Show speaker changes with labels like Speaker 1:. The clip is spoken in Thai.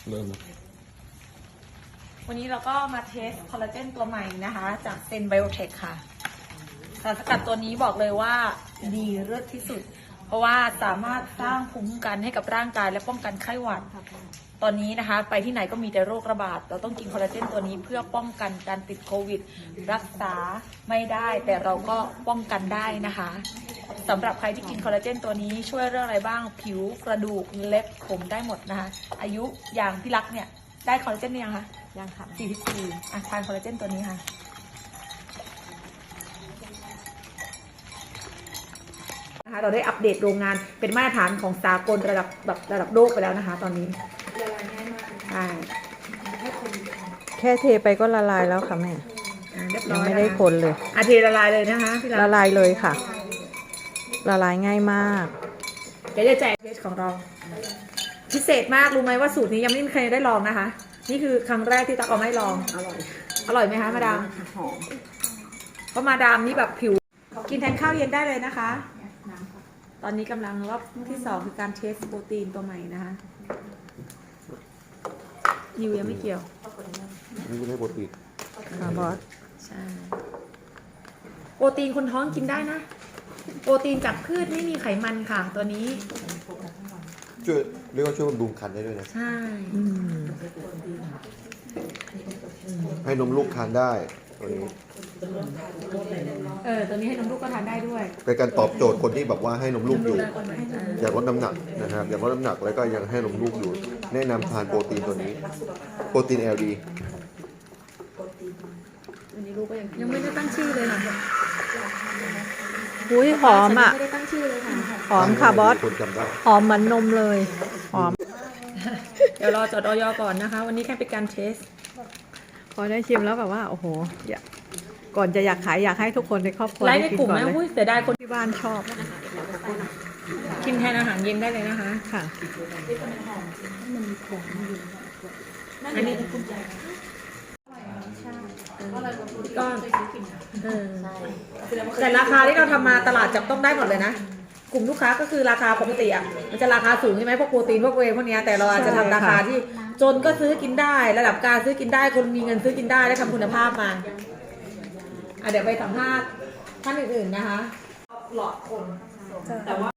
Speaker 1: เริ่ม
Speaker 2: วันนี้เราก็มาเทสคอลลาเจนตัวใหม่นะคะจากเซนไบโอเทคค่ะสารสกัดตัวนี้บอกเลยว่าดีเลิศที่สุด เพราะว่าสามารถสร้างภูมิคุ้มกันให้กับร่างกายและป้องกันไข้หวัดตอนนี้นะคะไปที่ไหนก็มีแต่โรคระบาดเราต้องกินคอลลาเจนตัวนี้เพื่อป้องกันการติดโควิดรักษาไม่ได้แต่เราก็ป้องกันได้นะคะสำหรับใครที่กินคอลลาเจนตัวนี้ช่วยเรื่องอะไรบ้างผิวกระดูกเล็บผมได้หมดนะคะอายุอย่างพี่รักเนี่ยได้คอลลาเจนยังคะยังค่ะ44ทานคอลลาเจนตัวนี้ค่ะนะคะเราได้อัปเดตโรงงานเป็นมาตรฐานของสากลระดับโลกไปแล้วนะคะตอนนี้ใช่
Speaker 3: แค่เทไปก็ละลายแล้วค่ะแม่
Speaker 2: เรียบร้
Speaker 3: ยั
Speaker 2: อง ย
Speaker 3: ไม่ได้คนเลย
Speaker 2: เทละลายเลยนะคะพี่
Speaker 3: ละลายเลยค่ะ ละลายง่ายมาก
Speaker 2: เดี๋ยวจะแจกเพจของเราพิเศษมากรู้ไหมว่าสูตรนี้ยังไม่มีใครได้ลองนะคะ นี่คือครั้งแรกที่ตักเอาไม่ลองอร่อยไหมคะมาดามหอมเพราะมาดามนี่แบบผิวกินแทนข้าวเย็นได้เลยนะคะ ตอนนี้กำลังรอบที่2คือการเทสโปรตีนตัวใหม่นะคะนิวยังไม่เกี่ยว
Speaker 1: นี่ไม่ใช่โปรตีน
Speaker 3: ค่ะบอส
Speaker 2: ใช่โปรตีนคนท้องกินได้นะ โปรตีนจากพืชไม่มีไขมันค่ะตัวนี้
Speaker 1: ช่วยเรียกว่าช่วยบำรุงครรภ์ได้ด้วยนะ
Speaker 2: ใช่
Speaker 1: ให้นมลูกทานได้ตัวนี้
Speaker 2: ตัวนี้ให้นมลูกก็ทานได้ด้วย
Speaker 1: เป็นการตอบโจทย์คนที่แบบว่าให้นมลูกอยู่ อยากลดน้ำหนักนะครับอยากลดน้ำหนักแล้วก็ยังให้นมลูกอยู่ แนะนำทานโปรตีนตัวนี้ โปรตีน LD
Speaker 2: ยังไม่ได้ตั้งชื่อเลยค่ะ
Speaker 3: อุ้ยหอมอ่ะ
Speaker 2: ไม่ได้ตั้งชื่อเลยค่ะ
Speaker 3: หอมค่ะบอส
Speaker 1: คนจำได้
Speaker 3: หอมเหมือนนมเลย หอม
Speaker 2: เดี๋ยวรอจดออยก่อนนะคะ วันนี้แค่เป็นการเทส
Speaker 3: พอได้ชิมแล้วแบบว่าโอ้โหก่อนจะอยากขายอยากให้ทุกคนในครอบครัว
Speaker 2: ไลฟ์
Speaker 3: ได้
Speaker 2: ใน
Speaker 3: กิน
Speaker 2: กลุ่ม
Speaker 3: ก่อน
Speaker 2: นะ
Speaker 3: เลย
Speaker 2: อุ้ยเสียดายคน
Speaker 3: ที่บ้านชอบ
Speaker 2: กินแทนอาหารเย็นได้เลยนะคะ
Speaker 3: ค่ะ
Speaker 2: อันนี้ก็แต่ราคาที่เราทำมาตลาดจับต้องได้หมดเลยนะ กลุ่มลูกค้าก็คือราคาปกติอ่ะมันจะราคาสูงใช่ไหมพวกโปรตีนพวกเวย์พวกเนี้ยแต่เราอาจจะทำราคาที่จนก็ซื้อกินได้ ระดับกลางซื้อกินได้คนมีเงินซื้อกินได้และทำคุณภาพมาเดี๋ยวไปสัมภาษณ์ท่านอื่นๆนะคะหลอดคนแต่ว่า